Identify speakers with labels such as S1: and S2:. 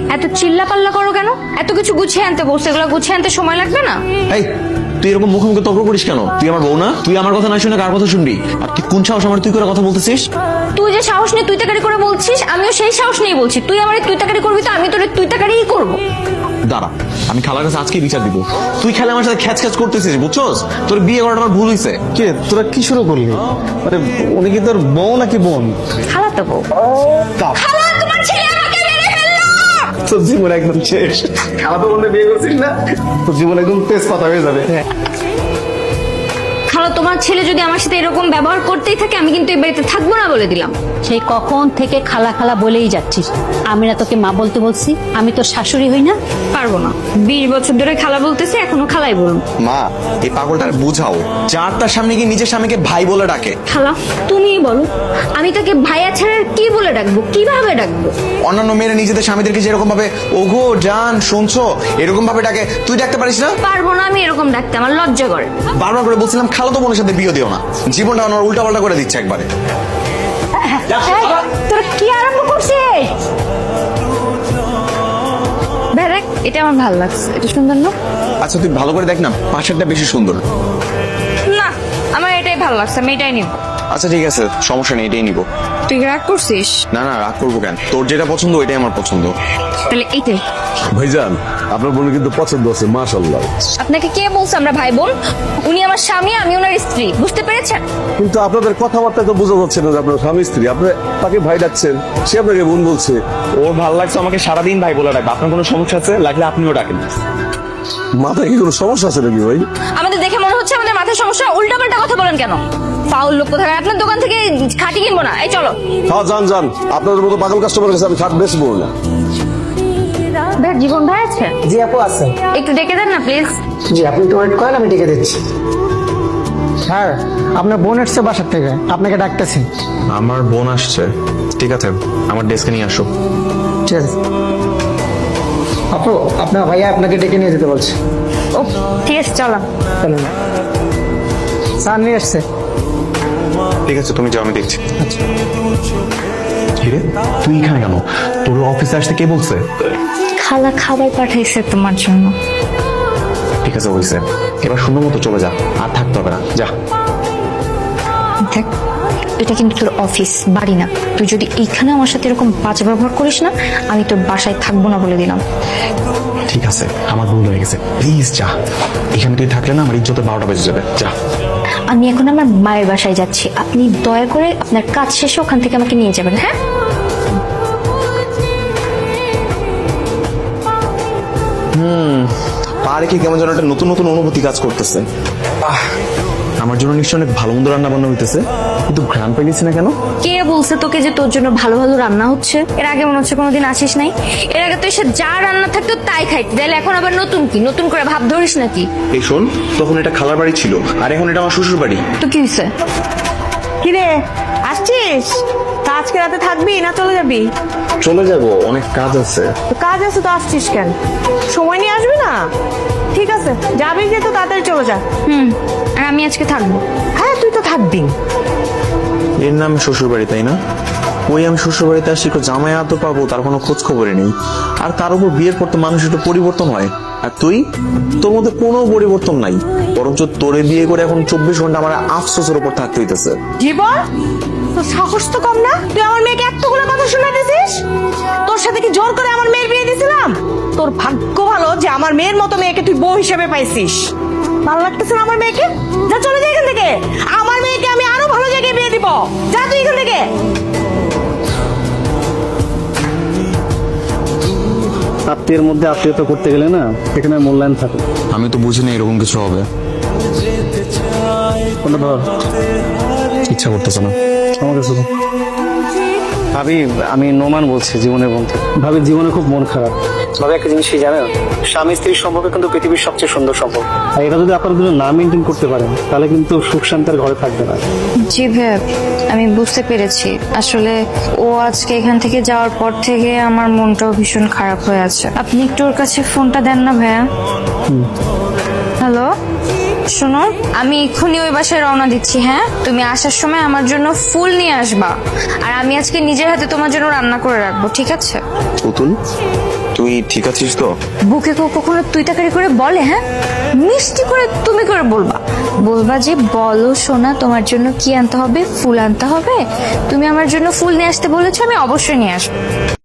S1: এত চিল্লা পাল্লা করো কেন? এত কিছু গুছিয়ে আনতে বলছো, এগুলো গুছিয়ে আনতে সময় লাগবে না?
S2: এই তুই এরকম মুখোমুখি তর্ক করিস কেন? তুই আমার বউ না? তুই আমার কথা না শুনে কার কথা শুনবি? আর তুই কোন সাহস আমার তুই করে কথা বলতেছিস?
S1: তুই যে সাহস নিয়ে তুই তাকারি করে বলছিস, আমিও সেই সাহস নিয়ে বলছি। তুই আমার তুই তাকারি করবি তো আমি তোর তুই তাকারিই করবো।
S2: দাঁড়া, আমি খালার কাছে আজকেই বিচার দিব। তুই খেলে আমার সাথে খ্যাচ খ্যাচ করতেছিস, বুঝছস? তোর বিয়ে করাটা আমার ভুল হয়েছে।
S3: কে তোরা কি শুরু করলি? মানে উনি কি তোর বউ নাকি বোন?
S1: খালাতো বউ। খালা, তোমার ছেলে আমাকে মেরে ফেললো।
S3: তোর জীবন একদম শেষ। খালাতো বোনকে বিয়ে করছিস না, তোর জীবন একদম তেজপাতা হয়ে যাবে।
S1: খালা, তোমার ছেলে যদি আমার সাথে এরকম ব্যবহার করতেই থাকে আমি কিন্তু এই বাড়িতে থাকবো না বলে দিলাম।
S4: সেই কখন থেকে খালা খালা বলেই যাচ্ছিস। আমি না তোকে মা বলতে বলছি? আমি তোর শাশুড়ি হই না?
S1: পারবো না। 20 বছর ধরে খালা বলতেছে, এখনো খালাই বলুন।
S2: মা, এই পাগলটার বুঝাও। যার তার সামনে গিয়ে নিজের স্বামীকে ভাই বলে ডাকে।
S1: খালা, তুমিই বলো, আমি তাকে ভাইয়া ছাড়া আর কি বলে ডাকবো, কিভাবে ডাকবো?
S2: অন্যান্য মেয়েরা নিজেদের স্বামীদেরকে যেরকম ভাবে ওগো জান শুনছো এরকম ভাবে ডাকে, তুই ডাকতে পারিস না?
S1: পারবো না আমি এরকম ডাকতে, আমার লজ্জা করে।
S2: বারবার করে বলছিলাম খালাতো বোনের সাথে বিয়ে দিও না। জীবনটা আমার উল্টা পাল্টা করে দিচ্ছে একবারে।
S1: তোরা কি আরম্ভ করছিস? দেখ, এটা আমার ভালো লাগছে, এটা সুন্দর না?
S2: আচ্ছা তুই ভালো করে দেখ না, পাশেরটা বেশি সুন্দর।
S1: না, আমার এটাই ভালো লাগছে, আমি এটাই নিব।
S2: আচ্ছা ঠিক আছে, সমস্যা নেই, এটাই নিবো।
S1: তুই রাগ করছিস?
S2: না না, রাগ করবো কেন? তোর যেটা পছন্দ ওইটাই আমার পছন্দ।
S1: তাহলে এইটাই।
S5: ভাইজান, আপনার বোনের কিন্তু পছন্দ আছে, মাশাআল্লাহ।
S1: আপনাকে কে বলছে আমরা ভাই বোন? উনি আমার স্বামী, আমি ওনার স্ত্রী, বুঝতে পেরেছেন?
S5: কিন্তু আপনাদের কথাবার্তা তো বোঝা যাচ্ছে না যে আপনার স্বামী স্ত্রী। আপনি তাকে ভাই ডাকছেন, সে আপনাকে বোন বলছে।
S2: ওর ভালো লাগছে আমাকে সারাদিন ভাই বলে ডাকবে। আপনার কোনো সমস্যা আছে? লাগলে আপনিও ডাকেন।
S5: মাথায় কি কোনো সমস্যা আছে নাকি ভাই?
S1: আমাদের দেখে মনে হচ্ছে আমাদের মাথায় সমস্যা। উল্টাপাল্টা কথা বলেন কেন? ফাউল লোক কোথায়? আপনার দোকান থেকে খাঁটি কিনবো না, এই চলো।
S5: হ্যাঁ যান যান, আপনাদের মতো পাগল কাস্টমার কাছে আমি খাট বেচবো না।
S1: ভাই, জীবন ভাই আছে?
S6: জি আপু আছে।
S1: একটু ডেকে দেন না প্লিজ।
S6: জি আপনি একটু ওয়েট করেন, আমি ডেকে দিচ্ছি। স্যার, আপনার বোন এসছে বাসার থেকে, আপনাকে ডাকতেছি।
S2: আমার বোন আসছে? ঠিক আছে, আমার ডেস্কে নিয়ে আসো।
S6: ঠিক আছে আপু, আপনার ভাইয়া আপনাকে ডেকে নিয়ে যেতে বলছে।
S1: ও ঠিক আছে, চলো।
S6: চলুন। স্যার নিয়ে এসছে।
S2: ঠিক আছে, তুমি যাও, আমি দেখছি। হিরে, তুই এখানে কেন? তোর অফিসে আসতে কে বলছে?
S1: খালা খাবার পাঠাইছে তোমার জন্য।
S2: ঠিক আছে হয়েছে, এবার সুন্দর মতো চলে যা, আর থাকতে হবে না, যা।
S1: দেখ, এটা কিন্তু তোর অফিস, বাড়ি না। তুই যদি এইখানে আমার সাথে এরকম বাজে ব্যবহার করিস না, আমি তোর বাসায় থাকবো না বলে দিলাম।
S2: ঠিক আছে, আমার ভুল হয়ে গেছে, প্লিজ যা। এখানে তুই থাকলে না আমার ইজ্জতে 12টা বেজে যাবে, যা।
S1: আমি এখন আমার মায়ের বাসায় যাচ্ছি, আপনি দয়া করে আপনার কাজ শেষে ওখান থেকে আমাকে নিয়ে যাবেন, হ্যাঁ?
S2: পা রেখে কেমন যেন একটা নতুন নতুন অনুভূতি কাজ করতেছে। আমার জন্য নিশ্চয় অনেক ভালো মন্দ রান্না বান্না হইতেছে, কিন্তু ঘ্রাণ পাইলিস না কেন?
S1: কে বলছে তোকে যে তোর জন্য ভালো ভালো রান্না হচ্ছে? এর আগে মনে হচ্ছে কোনোদিন আসিস নাই। এর আগে তো এসে যা রান্না থাকতো তাই খাইতে, তাহলে এখন আবার নতুন কি? নতুন করে ভাব ধরিস নাকি?
S2: এই শোন, তখন এটা খালার বাড়ি ছিল, আর এখন এটা আমার শ্বশুর বাড়ি।
S1: তো কি হয়েছে?
S7: কিরে, আসছিস? তা আজকে রাতে থাকবি না চলে যাবি?
S2: চলে যাব, অনেক কাজ আছে।
S7: তো কাজ আছে তো আসছিস কেন? সময় নিয়ে আসবি না? ঠিক আছে, যাবি যেহেতু তাড়াতাড়ি চলে যা।
S1: আর আমি আজকে থাকবো।
S7: হ্যাঁ, তুই তো থাকবি।
S2: এর নাম শ্বশুর বাড়ি, তাই না? ওই আমি শ্বশুর বাড়িতে আসি, জামাই আদর পাবো তার কোনো খোঁজ খবরই নেই। আর তার উপর বিয়ের পর তো মানুষ একটু পরিবর্তন হয়, আর তুই, তোর মধ্যে কোনো পরিবর্তন নাই। বরঞ্চ তোরে বিয়ে করে এখন 24 ঘন্টা আমার আফসোসের উপর থাকতে হইতেছে।
S7: জীবন, তোর সাহস তো কম না? তুই আমার মেয়েকে এতগুলো কথা শোনাতেছিস? তোর সাথে কি জোর করে আমার মেয়ের বিয়ে দিয়েছিলাম? তোর ভাগ্য ভালো যে আমার মেয়ের মতো মেয়েকে তুই বউ হিসেবে পাইছিস। ভালো লাগতেছে না আমার মেয়েকে? যা চলে যা এখান থেকে। আমার মেয়েকে আমি আরো ভালো জায়গায় বিয়ে দিব। যা তুই এখান থেকে।
S3: আত্মীয়ের মধ্যে আত্মীয়তা করতে গেলে না এখানে মূল্যায়ন থাকে।
S2: আমি তো বুঝি না এরকম কিছু হবে।
S3: কোনটা ধর?
S2: ইচ্ছা করতেছে না।
S3: আমার কাছে দাও। ভাবি, আমি নোমান বলছি, জীবনের বন্ধু। ভাবি জীবনে খুব মন খারাপ। ভাবি একটা জিনিস কি জানেন, স্বামী স্ত্রীর সম্পর্ক কিন্তু পৃথিবীর সবচেয়ে সুন্দর সম্পর্ক। আর এটা যদি আপনারা দুজন না মেনটেন করতে পারেন তাহলে কিন্তু সুখ শান্তির ঘরে থাকবে না।
S1: জি ভাইয়া, আমি বুঝতে পেরেছি। আসলে ও আজকে এখান থেকে যাওয়ার পর থেকে আমার মনটাও ভীষণ খারাপ হয়ে আছে। আপনি একটু ওর কাছে ফোনটা দেন না ভাইয়া। হ্যালো, শোনো, আমি এক্ষুনি ওই বাসায় রওনা দিচ্ছি। হ্যাঁ, তুমি আসার সময় আমার জন্য ফুল নিয়ে আসবা, আর আমি আজকে নিজের হাতে তোমার জন্য রান্না করে রাখবো, ঠিক আছে?
S2: পুতুল, তুই ঠিক আছিস তো?
S1: বুকে কেউ কখনো তুই তাকারি করে বলে? হ্যাঁ, মিষ্টি করে তুমি করে বলবা, বলবা যে বলো সোনা তোমার জন্য কি আনতে হবে, ফুল আনতে হবে, তুমি আমার জন্য ফুল নিয়ে আসতে বলেছো, আমি অবশ্যই নিয়ে আসবো।